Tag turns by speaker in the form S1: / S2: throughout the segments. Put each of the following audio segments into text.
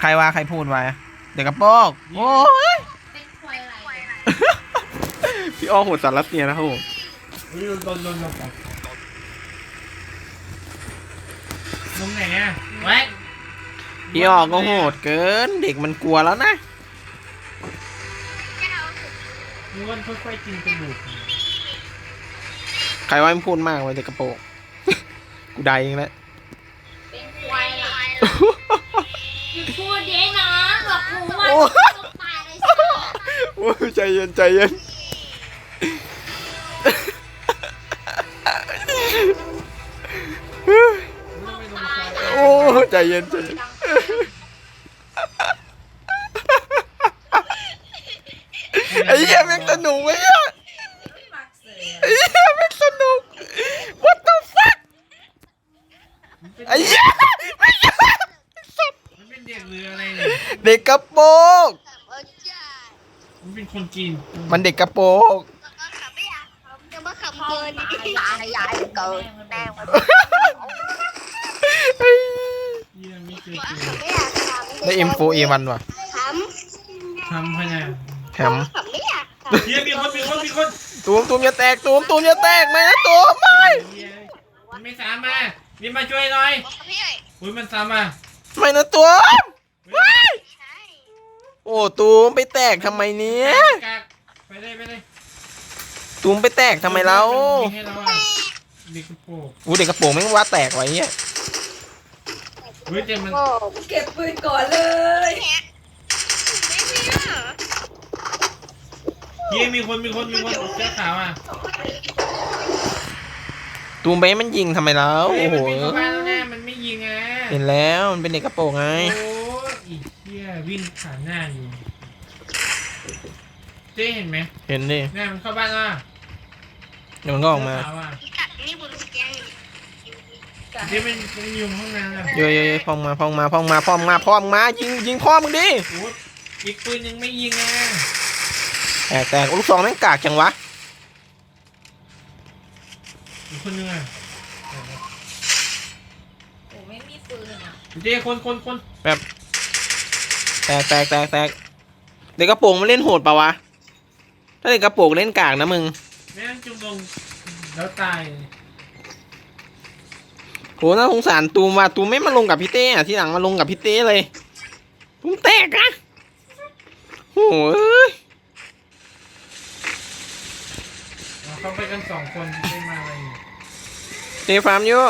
S1: รว่าใครพูดไว้เด็กกระโปงโอ้ยพี่อ้อโหดสารรัสเซียนะครับผม
S2: ลงไหนอ่ะแว็ก
S1: พี่อ้อก็โหดเกินเด็กมันกลัวแล้วนะ
S2: ม้วนค่อยๆกินกระดูก
S1: ใครว่าไม่พูดมากไว้เด็กกระโปงกูได้เองแล้ว
S3: เป็นควายล่ะหยุดพูดเย้นะบอกกูว่าต้องตายเลยสิ
S1: โอ้ยใจเย็นใจเย็นโอ้ใจเย็นใจเย็นไอ้เหี้ยแม่งสนุกเว้ยไอ้เหี้ยแม่งสนุก What the fuck ไอ้เหี้ยไม่ใช่
S2: มันเป็นเด็กเรืออะไรเนี่ย
S1: เด็กกระโปง
S2: มันเป็นคนจีน
S1: มันเด็กกระโปง
S3: จะมาขับเกินยายเกินแน่มัน
S2: เยี่ยมไม่เคยเจอ
S3: ไม่อยากทำ
S1: ได้ M4A1 ว่ะ
S3: ท
S2: ทำพะเนี่ย
S1: แถม
S3: ำขับไม่อยากท
S2: เยี่ยมมีคน
S1: ตูมอย่าแตกตูมอย่าแตกไหมนะตูมไม่
S2: เยี่ยมมันไม่สามมานี่มาช่วยหน่อย
S3: ำพี่
S2: อุ้ยมันสามมา
S1: ไม่นะตูมไม่โอ้ตูมไปแตกทำไมเนี้ย
S2: ไปเลย
S1: ตูมไปแตกทำไมเรา
S2: ยิงให้เราอ่ะเด็กกระโปง
S1: อู้เด็กกระโปรงแม่งว่าแตกไว้เนี่ย
S2: เฮ้ยแต่มัน
S4: เก็บปืนก่อนเลย
S2: เยี่ยมมีคนเสื้อขาวอ่ะ
S1: ตูมไปมันยิงทำไมเรา
S2: เฮ้ย
S1: โอ้โห
S2: มันวิ่งเข้าบ้านแล้วแน่มันไม่ยิงอ่ะ
S1: เห็นแล้วมันเป็นเด็กกระโปรงไง
S2: โอ้ยอีเหี้ยวิ่งผ่านหน้าอยู่เจ๊เห็นไหม
S1: เห็นดิ
S2: หน้ามันเข้าบ้านอ่ะ
S1: เดี๋ยวมันก็ออกมา
S2: เสื้ขวอะเจ๊มันอยู่ห้องน้ำอ่ะ
S1: เยอะๆพองมายิงพ่อมึงดิ
S2: โอ้ยอีกปืนยังไม่ยิงอ่ะ
S1: แตกลูกซองแม่งกากจังวะ
S2: อีกคนนึงอ่ะ
S3: โอ้ไม่มีปืนอ่ะ
S2: เจ๊คน
S1: แบบแตกเด็กกระโปรงมันเล่นโหดปะวะถ้าเด็กกระโปรงเล่นกากนะมึง
S2: แม่งจุ่มลงแล้วตาย
S1: โหน่าสงสารตูมว่ะตูมไม่มาลงกับพี่เต้อะที่หลังมาลงกับพี่เต้เลยตูมแตกอะโอ้ย
S2: เขาไปกัน2 คนไม่มาอะไรเนี่ย
S1: เต้ฟาร์มอยู่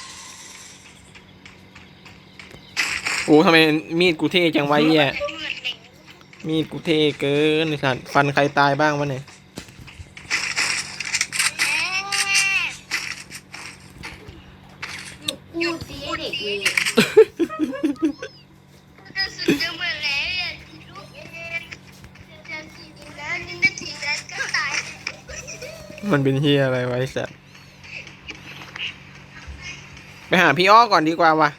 S1: โอ้ทำไมมีดกูเท่จังวะเหี้ยมีดกูเท่เกินไอ้สัตว์ฟันใครตายบ้างวะเนี่ย
S3: พูดสิเด็กเลย
S1: มันเป็นเฮียอะไรไวะไอ้สัตว์ไปหาพี่อ้อก่อนดีกว่าวะ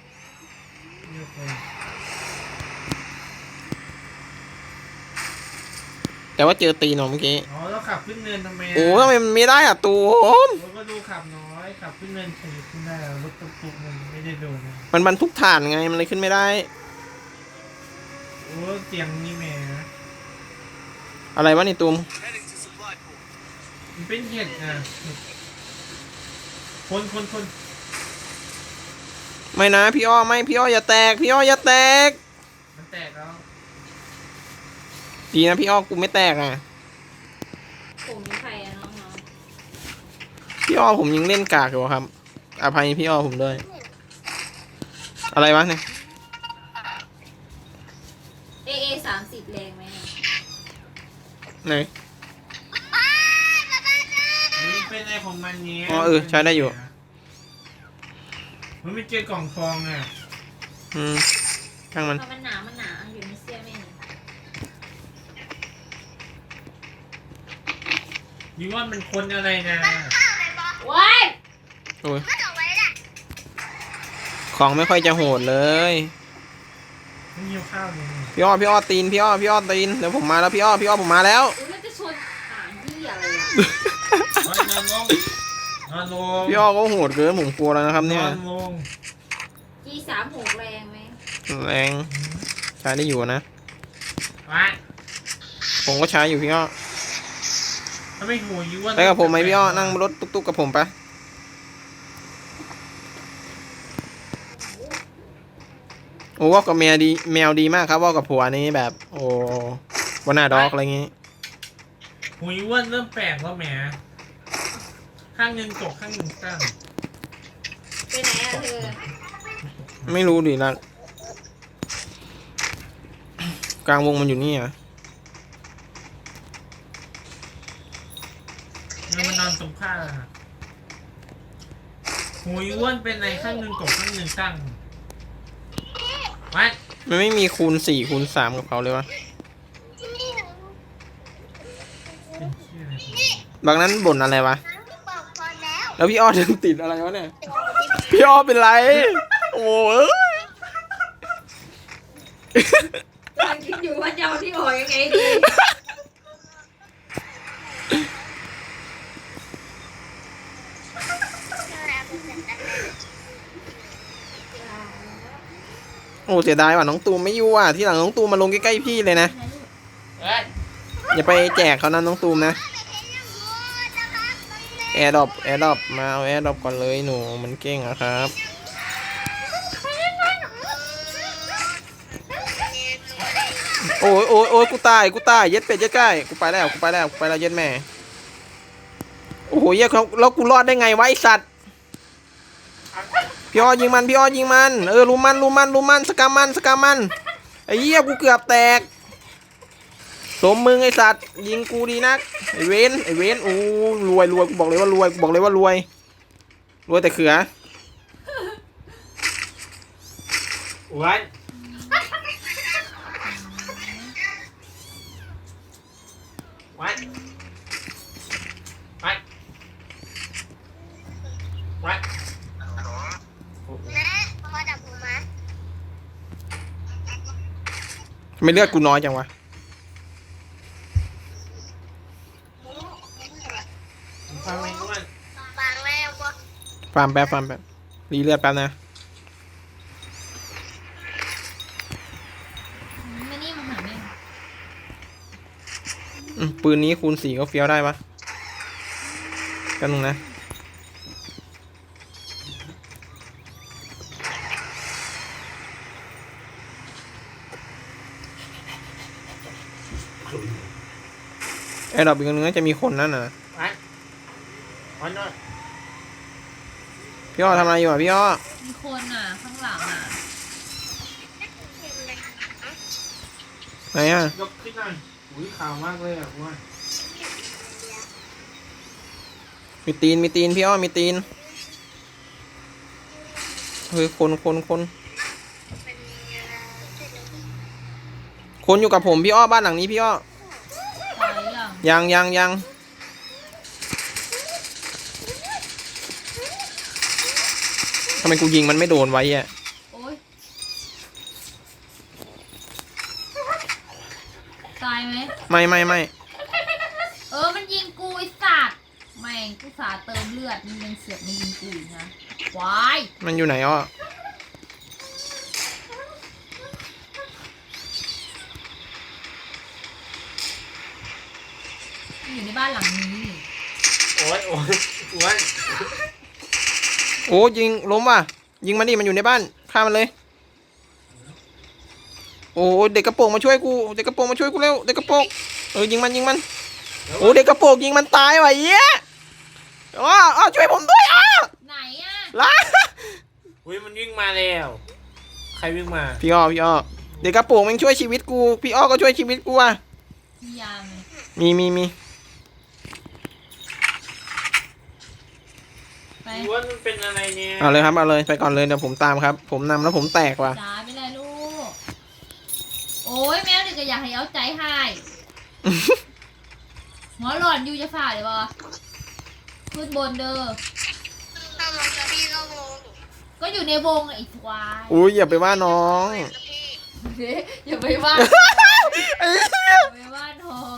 S1: แต่ว่าเจอตีนเมื่อกี้
S2: อ๋อแล้วขับขึ้นเนินทำไมะ
S1: โอ้ทำไมมันไม่ได้อะตูม
S2: รถก็ดูขับน้อยขับขึ้นเนินถึงขึ้นได้รถตุ๊กๆมันไม่ได้โดนนะ
S1: มันบรรทุกถ่านไงมันเลยขึ้นไม่ได้
S2: โอ้เสียงนี่แหม่
S1: อะไรวะนี่ตูม
S2: มันเป็นเห็ดอ่ะคน
S1: ไม่นะพี่อ้อไม่พี่อ้ออย่าแตกพี่อ้ออย่าแตก
S2: มันแตกแล้ว
S1: ดีนะพี่อ้อกูไม่แตกอ่ะ
S3: ผมมีใครอะน้อง
S1: พี่อ้อผมยังเล่นกากอยู่ครับอภัยพี่อ้อผมด้วยอะไรวะเนี่ย
S3: ๆ30แรงไหม
S1: ไหน
S2: มันเป็นอะไรของมันเนี้ย
S1: อ๋อใช้ได้อยู่
S2: มันไม่เจอกล่องฟองอ่ะ
S1: ช่างมัน
S3: เพราะมันหนาอยู่ในเสื้อแม่
S2: นี่ว่ามันคนอะไรนะ
S3: ว้าย
S1: โอ้ยของไม่ค่อยจะโหดเลย
S2: มันหิวข้าวเลย
S1: พี่อ้อตีนพี่อ้อตีนเดี๋ยวผมมาแล้วพี่อ้อผมมาแล้ว
S3: อุ้ยมันจะชนที่อะไรอ่ะ
S2: นอนลง
S1: พี่อ้อก็โหดเกินผมกลัวแล้วนะครับเนี่ย
S2: นอนลง
S3: G36แรงไหม
S1: แรงใช้ได้อยู่นะ
S2: วะ
S1: ผมก็ใช้อยู่พี่อ้อ
S2: ถ้าไม่หัวยูว่า
S1: ไปกับผมไหมพี่อ้อนั่งรถตุ๊กๆกับผมปะโอ้ว่ากับแมวดีมากครับว่ากับผัวนี้แบบ โอ้วันหน้าด็อกอะไรอย่างงี้
S2: หัวยูว่าเริ่มแปลกแล้วแหมข้างหนึ่งตกข้างหนึ่งตั้ง
S3: ไปไหนอะเธอ
S1: ไม่รู้ดิละกลางวงมันอยู่นี่อ่ะ
S2: มันนอนตรงข้างหัวยูว่าเป็นในข้างหนึ่งตกข้างหนึ่งตั้งวะ
S1: มันไม่มีคูณ4คูณ3กับเขาเลยวะ
S2: เป็นเชี่ยอะไร
S1: บางนั้นบ่นอะไรวะแล้วพี่อ้อถึงติดอะไรวะเนี่ยพี่อ้อเป็นไรโอ้ย
S4: กำลังคิดอยู่ว่าจะเอาที่ออกยังไงดี
S1: โอ้เสียดายว่ะน้องตูมไม่อยู่อ่ะที่หลังน้องตูมมาลงใกล้ๆพี่เลยนะ
S2: เอ้ย
S1: อย่าไปแจกเขานะน้องตูมนะแอร์ดรอปมาเอาแอร์ดรอปก่อนเลยหนูมันเก่งอะครับโอ้ยโอ้ยโอ้ยกูตายเย็ดเป็ดเย็ดไก่กูไปแล้วเย็ดแม่โอ้โหเหี้ยแล้วกูรอดได้ไงวะไอสัตว์พี่อ้อยิงมันรู้มันสกามมันไอ้เหี้ยกูเกือบแตกสมมึงไอสัตว์ยิงกูดีนักไอเวนโอ้รวยกูบอกเลยว่ารวยแต่เขือ
S2: วันวันวันวัน
S1: ไม่เลือดกูน้อยจังวะ
S2: ฟังไหมวัน
S1: ฟาร์มแป๊บรีเลือดแป๊บนะ
S3: ไม่นี่มันหาไม่
S1: ปืนนี้คูณ4ก็เฟี้ยวได้ปะกันนึงนะแอร์ดรอปอีกอันนึงน่าจะมีคนนั่นน่ะ
S2: วันวันนอน
S1: พี่อ้อทำอะไรอยู่อ่ะพี่อ้อ
S3: มีคนอ่ะข้างหลังอ่ะ
S1: ไหนอ่ะ
S2: ยกขึ้นหน่อยอุ้ยขาวมากเลยอ่ะวัน
S1: มีตีนพี่อ้อมีตีนเฮ้ยคนอยู่กับผมพี่อ้อบ้านหลังนี้พี่อ้อ
S3: ตายยัง
S1: ยังทำไมกูยิงมันไม่โดนไว้อ่ะ
S3: โอ๊ยตายไหม
S1: ไม่
S3: มันยิงกูไอ้สัตว์แม่งกูสาเติมเลือดมันยังเสือกมายิงกูอีกนะวาย
S1: มันอยู่ไหนอ้อ
S3: มันอยู่ในบ้านหลังนี้
S2: โอ้ยวัน
S1: โอ้ยิงล้มว่ะยิงมันดิมันอยู่ในบ้านฆ่ามันเลยโอ้เด็กกระโปรงมาช่วยกูเด็กกระโปรงเร็วเด็กกระโปรงยิงมันโอ้เด็กกระโปรงยิงมันตายว่ะเหี้ยอ้อช่วยผมด้วยอ้อ
S3: ไหนอ่ะ
S1: ล้า
S2: อุ้ยมันวิ่งมาแล้วใครวิ่งมา
S1: พี่อ้อเด็กกระโปรงมันช่วยชีวิตกูพี่อ้อก็ช่วยชีวิตกูอ่ะ
S3: มียาไหม
S1: มี
S3: ไป
S2: วันมันเป็นอะไรเนี่ย
S1: เอาเลยครับเอาเลยไปก่อนเลยเดี๋ยวผมตามครับผมนำแล้วผมแตกว่ะ
S3: จ้าไปเลยลูกโอ้ยแมวนี่ก็อยากให้เอาใจให้หัวหลอนอยู่จะฝ่าเลยปะขึ้นบนเด้อก็อยู่ในวงไอ้ควาย
S1: อุ้ยอย่าไปว่าน้อง
S3: อย่าไปว่า
S1: ไอ้เหี้ย
S3: อย่าไปว่าน้อง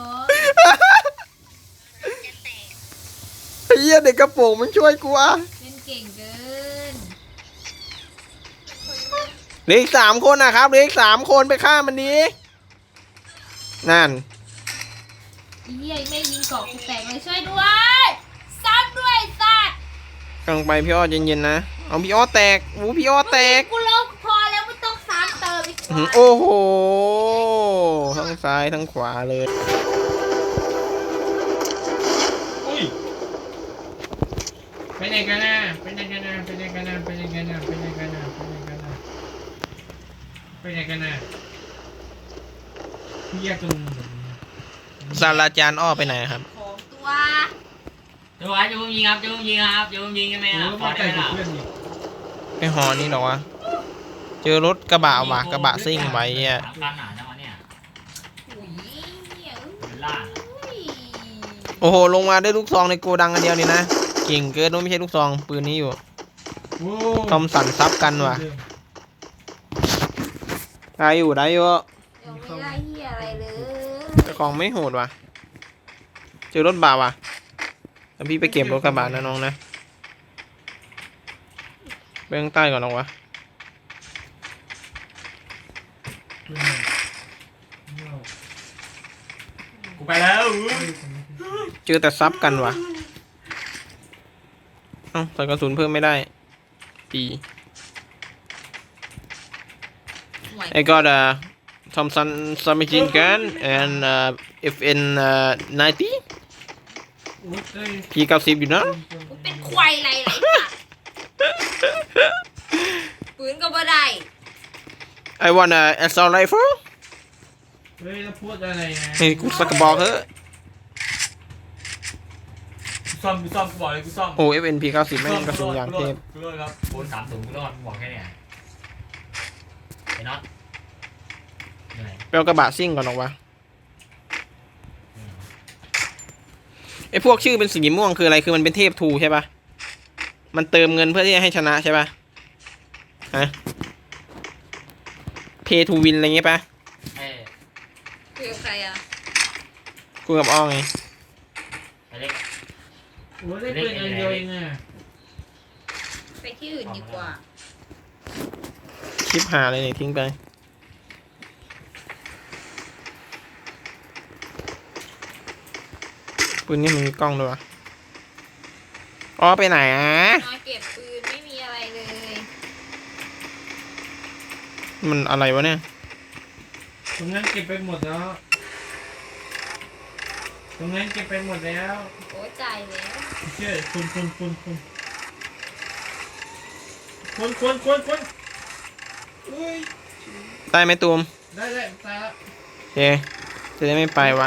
S1: ไอ้เหี้ยเด็กกระโปรงมันช่วยกูอ่ะ
S3: เล่นเก่งเกิน
S1: เหลืออีก3 คนนะครับเหลืออีก3 คนไปฆ่ามันดีนั่น
S3: ไอ้เหี้ยไม่ยิงเกาะกูแตกเลยช่วยด้วยซ้ำด้วยสัตว์
S1: กำลังไปพี่อ้อเย็นๆนะเอาพี่อ้อแตกพี่อ้อแตก
S3: กูลงพอแล้วไม่ต้องซ้ำเติมอีก
S1: โอ้โหทั้งซ้ายทั้งขวาเลย
S2: อุ้ยไปไหนกันนะไปไหนกันนะไปไหนกันนะไปไหนกันนะไปไหนกันนะไปไหนกันนะไปไหนกันนะพี่แยกตรง
S1: ศาสตราจารย์อ้อไปไหนครับ
S3: ของตัว
S5: จะไว้จะพุ่งยิงครับจะพุ่งยิงครับจะพุ่งยิงใช่ไหม
S2: โอ้
S5: ครับ
S2: แล้ว
S5: ขอ
S2: มา
S5: ได้
S2: ไก่
S5: ไหม
S2: กับ
S5: ล่ะ
S2: เพื่อนอีก
S1: ไปหอนี่เหรอวะเจอรถกระบะว่ะกระบะซิ่งไว้อ่ะ
S5: สามคันหนาจังวะเนี่ย
S3: อุ้ยเนี่ย
S5: เป็นล่าง
S3: อุ้ย
S1: โอ้โหลงมาได้ลูกซองในโกดังอันเดียวนี่นะเก่งเกินนู้นไม่ใช่ลูกซองปืนนี้อยู่
S2: โอ้
S1: ทอมสันซับกันว่ะได้อยู่ได้อยู่
S3: เดี๋ยวไม่ได้เหี้ยอะไรเลย
S1: แต่ของไม่โหดว่ะเจอรถบ่าว่ะแล้วพี่ไปเก็บรถกระบะนะน้องนะไปข้างใต้ก่อนน้องวะ
S5: กูไปแล้ว
S1: เจอแต่ซับกันว่ะเอ้าใส่กระสุนเพิ่มไม่ได้ดี I got a Thompson submachine gun and FN 90 P90 อยู่นะ
S3: กูเป็นควายไรไรสัตว์ปืนก็บ่ได้
S1: I want a assault rifle
S2: เฮ้ยแล้วพูดอะไรนะ
S1: นี่กูสักกระบอกเถอะ
S5: กูซ่อมกูบอกเลยกูซ่อม
S1: โอ้ FN P90 แม่งกระสุนอย่างเทพ
S5: กูรอดครับโอน30กูรอดกูบอกแค่เนี้ยไอ้น็อตเหนื่อย
S1: ไปเอากระบะซิ่งก่อนหรอกวะไอพวกชื่อเป็นสีม่วงคืออะไรคือมันเป็นเทพทูใช่ปะมันเติมเงินเพื่อที่จะให้ชนะใช่ปะฮะ Pay to win อะไรเงี้ยปะ
S5: เอ้ย
S3: คุยกับใครอ่ะ
S1: กูกับอ้อไง
S5: ไอ้เล็ก
S2: โอ้ยได้ปืนอันเดียวเองอ่ะ
S3: ไปที่อื่นดีกว่า
S1: คลิปหาอะไรเนี่ยทิ้งไปปืนนี่มันมีกล้องด้วยวะอ้อไปไหนอ่ะ
S3: มาเก็บปืนไม่มีอะไรเลย
S1: มันอะไรวะเนี่ย
S2: ตรงนั้นเก็บไปหมดแล้วตรงนั้นเก็บไปหมดแล้ว
S3: โอ้จ่ายแล้ว
S2: เชื่อคนอุ้ย
S1: ได้ไหมตูม
S2: ได้ตายละ
S1: โอเคจะได้ไม่ไปวะ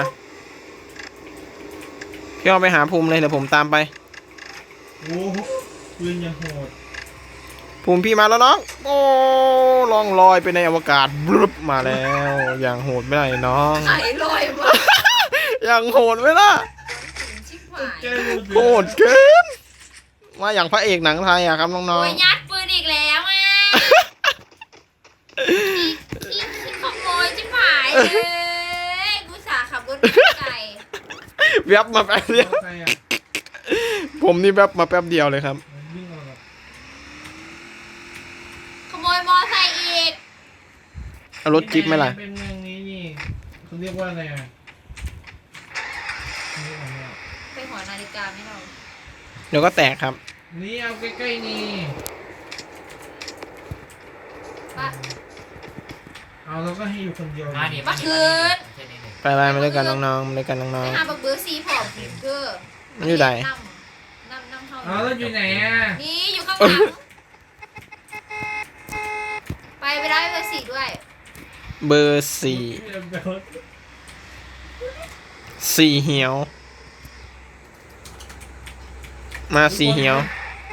S1: พี่อ้อไปหาภูมิเลยเดี๋ยวผมตามไป
S2: โอ้โหปืนยังโหด
S1: ภูมิพี่มาแล้วน้องโอ้ล่องลอยไปในอวกาศบลึบมาแล้วอย่างโหดไม่ได้น้อง
S3: ไข่ลอยมา
S1: อย่างโหดไหมล่ะ
S3: ชิบหาย
S2: แกรู้สึก
S1: โหดเกินมาอย่างพระเอกหนังไทยอะครับน้อง
S3: โอ้ยยัดปืนอีกแล้วอ่ะอีขโมยชิบหายเลยกูสาขับรถไปไกล
S1: ๆแวบมาแป๊บเดียว
S2: ใครอ่ะ
S1: ผมนี่แวบมาแป๊บเดียวเลยครับ
S2: มันวิ่งออกแบบ
S3: ขโมยมอไซค์อีก
S1: เอารถจิ๊บไหมล่ะ
S2: เป็นเมืองนี้นี่เขาเรียกว่าอะไรอ่ะนี่อะไรอ่ะ
S3: ไปหอนาฬิกาไม่เรา
S1: เดี๋ยวก็แตกครับ
S2: นี่เอาใกล้ๆนี่
S3: ปะ
S2: เอาแล้วก็ให้อยู่คนเดียว
S5: มาดิ
S3: มาคืน
S5: เช่นนี้ดิ
S1: ไปมาด้วยกันน้องๆมาด้วยกันน้
S3: ไป
S1: อง
S3: หาบักเบอร์ซีผอมเกอร์
S1: ๆมันอยู่ไหน
S3: นั่งเข้า
S2: เอาแล้วอยู่ไหนอ่ะ
S3: นี่อยู่ข้างหลังไปได้เบอร์สี่ด้วย
S1: เบอร์สี่เหี่ยวมาสี่เหี่ยว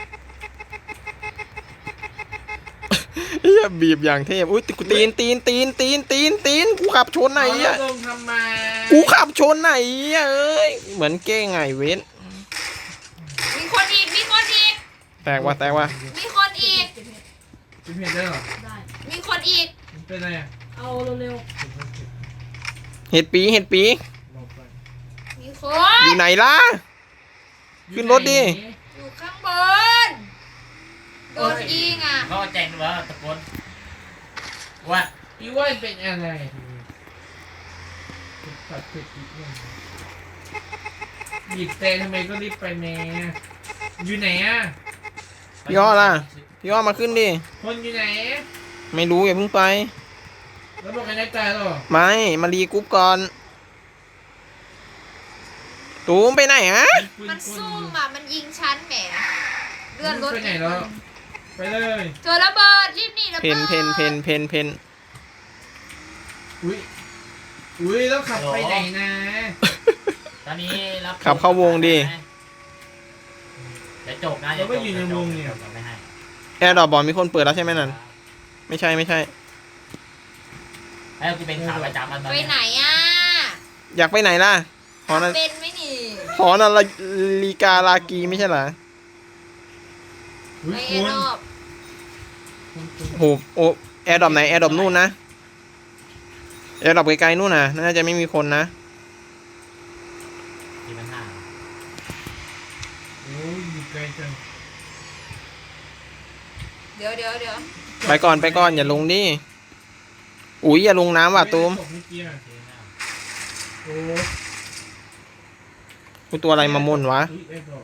S1: เฮียบีบอย่างเทพอุ้ยกูตีนกูขับชนไหน
S2: เอาแล้
S1: อ่ะ
S2: วลงทำไม
S1: กูขับชนไหนอ่ะเอ้ยเหมือนเก้งไงเว้น
S3: มีคนอีก
S1: แตกว่ะ
S3: มีคนอีก
S2: จะเพียนได้เหรอ
S3: มีคนอีก
S2: มันเป็นอะไรอ่ะ
S4: เอาเร็ว
S1: เห็ดปี
S2: ลงไป
S3: มีค
S1: อน ยู่ไหนล่ะ ขึ้นรถดิ
S3: อยู่ข้างบน โดนยิงอ่ะ
S5: เขาแจ้งว่าตะโกนว่า
S2: พี่ว่าเป็นอะไรตัดผิดอีกอย่างหยิบเตะทำไมก็รีบไปแม่อยู่ไหนอ่ะ
S1: พี่อ้อล่ะพี่อ้อมาขึ้นดิ
S2: คนอยู่ไหน
S1: ไม่รู้อย่าเพิ่งไป
S2: แล้วบอกกันได้ใจหรอ
S1: ไม่มารีกรุ๊ปก่อนตูมไปไหนฮะ
S3: มันซุ่มอ่ะมันยิงชั้นแหมเลื่อนรถ
S2: ไปไหนแล้วไปเลย
S3: เจอระเบิดรีบหนีระ
S1: เพ
S3: เบิ
S1: น
S3: ด
S1: เพน
S2: อุ้ยแล้วขับไปไหนนะ
S5: ตอนนี้รับ
S1: ขับเข้าวงดิ
S5: เดี๋ยวจบนะเดี๋ยวจบเดี๋ยวจบเดี๋ยวจบไม่ให้
S1: แอร์ดรอปบอลมีคนเปิดแล้วใช่ไหมนั่นไม่ใช่
S5: ให้กูเป็นขาประจำมันตอน
S3: ไป
S5: นี้
S3: ไหนอ่ะ
S1: อยากไปไหนล่ะหอนา
S3: เป็นไหมนี่
S1: หอนาฬิกาลากีไม่ใช่เหรอ
S2: อุ้
S3: ไป
S2: ย
S3: เอ
S2: คุณ
S3: นอบ
S1: โหโอ้แอร์ดรอปไหนแอร์ดรอปนู่นนะแอร์ดรอปไกลๆนู่นน่ะน่าจะไม่มีคนนะ
S5: มีปัญหา
S2: โอ้ยอยู่ไกลจัง
S3: เดี๋ยว
S1: ไปก่อนอย่าลงดิอุ้ยอย่าลงน้ำว่ะตูม
S2: ตกเมื่อกี้อะโอ้
S1: กูตัวอะไรมาม่นวะ
S2: อุ๊ยไอ้ดอก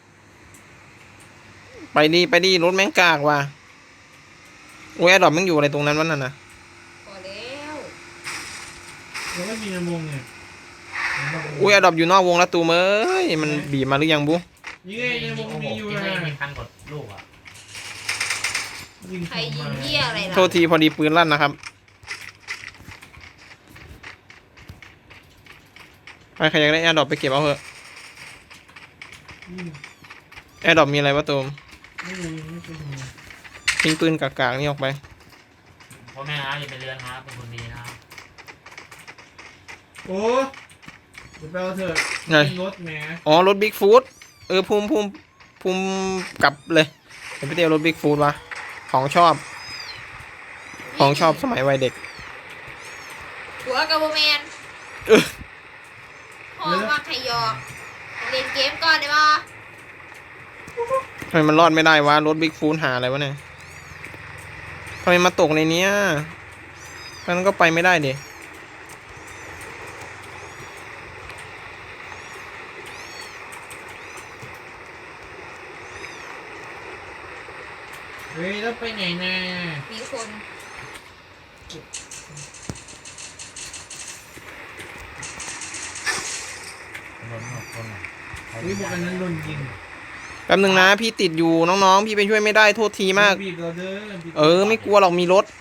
S1: ไปดิรถแม่งกากว่ะอุ้ยแอร์ดรอปแม่งอยู่อะไรตรงนั้นวะนั่นน่ะ
S3: พอแล้ว
S2: แล้วก็มีนมงเนี่ย
S1: อุ้ยแอร์ดรอปอยู่นอกวงแล้วตูมเอ้ยมันบีบมาหรือยังบุ๊
S2: นี่ไงในวงมีอยู่
S5: ที่
S2: นะ
S5: ไม่มีพันกดลูกอ่ะ
S2: ยิง
S3: ใครยิงเหี้ยอะไรล่ะ
S1: โทษทีพอดีปืนลั่นนะครับไปใครอยากได้แอร์ดรอปไปเก็บเอาเถอะ
S2: อืม
S1: แอร์ดรอปมีอะไรวะตูม
S2: ไม่รู้ไม่เคยทำงาน
S1: ทิ้งปืนกากๆนี่ออกไป
S5: พ่อแม่ครับอย่าไปเรือนครับเป็นคนดีนะครับ
S2: โอ้เดี๋ยวไปเอาเถอะ
S1: ไง
S2: ขึ้นรถแหม
S1: อ๋อรถบิ๊กฟูดภูมิกลับเลยเดี๋ยวไปเที่ยวรถบิ๊กฟูดวะของชอบสมัยวัยเด็ก
S3: หัวกับโบแมน
S1: เออ
S3: พ่อว่าใครยอกเล่นเกมก่อนได้ปะ
S1: ทำไมมันรอดไม่ได้วะรถบิ๊กฟูดหาอะไรวะเนี่ยทำไมมาตกในเนี้ยมันก็ไปไม่ได้ดิ
S2: เฮ้ยแล้วไปไหนนะ
S3: มีคน
S5: คนหมดคนหมด
S2: อุ้ยพวกอันนั้นโดนยิง
S1: แป๊บนึงนะพี่ติดอยู่น้องๆพี่ไปช่วยไม่ได้โทษทีมาก
S2: บีบเราเด้อบีบ
S1: ไม่กลัวหรอกมีรถ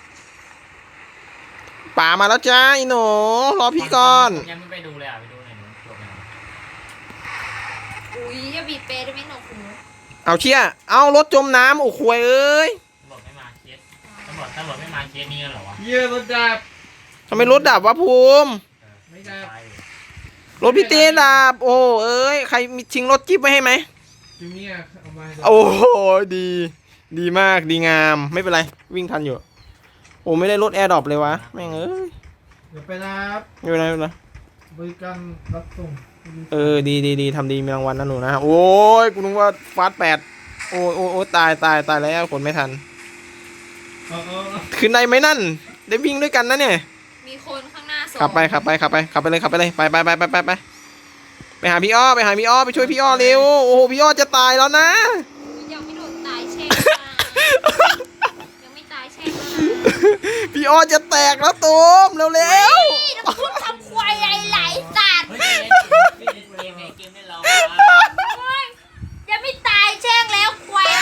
S1: ป่ามาแล้วจ้าอีหนูรอพี่ก่อน
S5: ยังไม่ไปดูเลยอ่ะไปดูหน่อยหนูจบแล้ว
S3: อุ้ยอย่าบีบเปรย์ได้ไหมหนูคุณ
S1: เอาเชี่ยเอารถจมน้ำโอ้ควยเอ้ย
S5: ตำรวจไม่มาเคสตำรวจไม่มาเคสนี้กันเหรอวะ
S2: เยี่ยรถดับ
S1: ทำไมรถดับวะภูมิ
S2: ไม่ได้
S5: ตายอยู่
S1: รถพี่เต้ดับโอ้เอ้ยใครมีชิงรถจิ๊บไว้ให้ไหม
S2: จูเนียร์เอามาให้
S1: โอ้โหดีมากดีงามไม่เป็นไรวิ่งทันอยู่โอ้ไม่ได้รถแอร์ดรอปเลยวะแม่งเอ้ย
S2: เดี๋ยวไปรับ
S1: ไม่เป็นไรไม่เป็นไร
S2: บริการรับส่ง
S1: ดีทำดีมีรางวัลนะหนูนะโอ้ยกูนึกว่าฟาส8โอ้ตายแล้วคนไม่ทัน
S2: เอา
S1: ขึ้นได้ไหมนั่นได้วิ่งด้วยกันนะเนี่ย
S3: มีคนข้างหน้าสอง
S1: ขับไปเลยไปหาพี่อ้อไปช่วยพี่อ้อเร็วโอ้โหพี่อ้อจะตายแล้วนะ
S3: ยังไม่โดนตายแช่งยังไม่ตายแช่ง
S1: พี่อ้อจะแตกแล้วตูมเร็ว
S3: นี่แล้วพูดทำควายอะไรหลายสัตว์
S5: เฮ้ยเล่นเกมได้เรา
S3: ยังไม่ตายแช่งแล้วควาย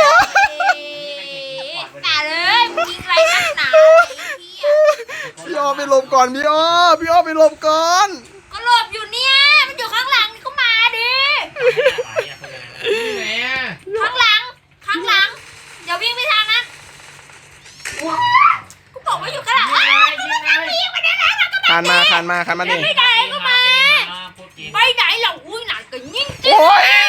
S3: แต่เลยมึงยิงไรนักหนาไอ้เหี้ย
S1: ๆพี่อ้อไปหลบก่อนพี่อ้อไปหลบก่อน
S3: ก็หลบอยู่เนี่ยมันอยู่ข้างหลังนี่ก็มาดิ
S2: ที่ไหนอ่ะ
S3: ข้างหลังอย่าวิ่งไปทางนั้นกูบอกว่าอยู่ข้างหลัง
S2: ยิงไง
S1: คานมาดิ
S3: ไม่ได้ก็มาไปไหนเหล่าอุ้ยหนักก็ยิ่ง
S1: โอ้ย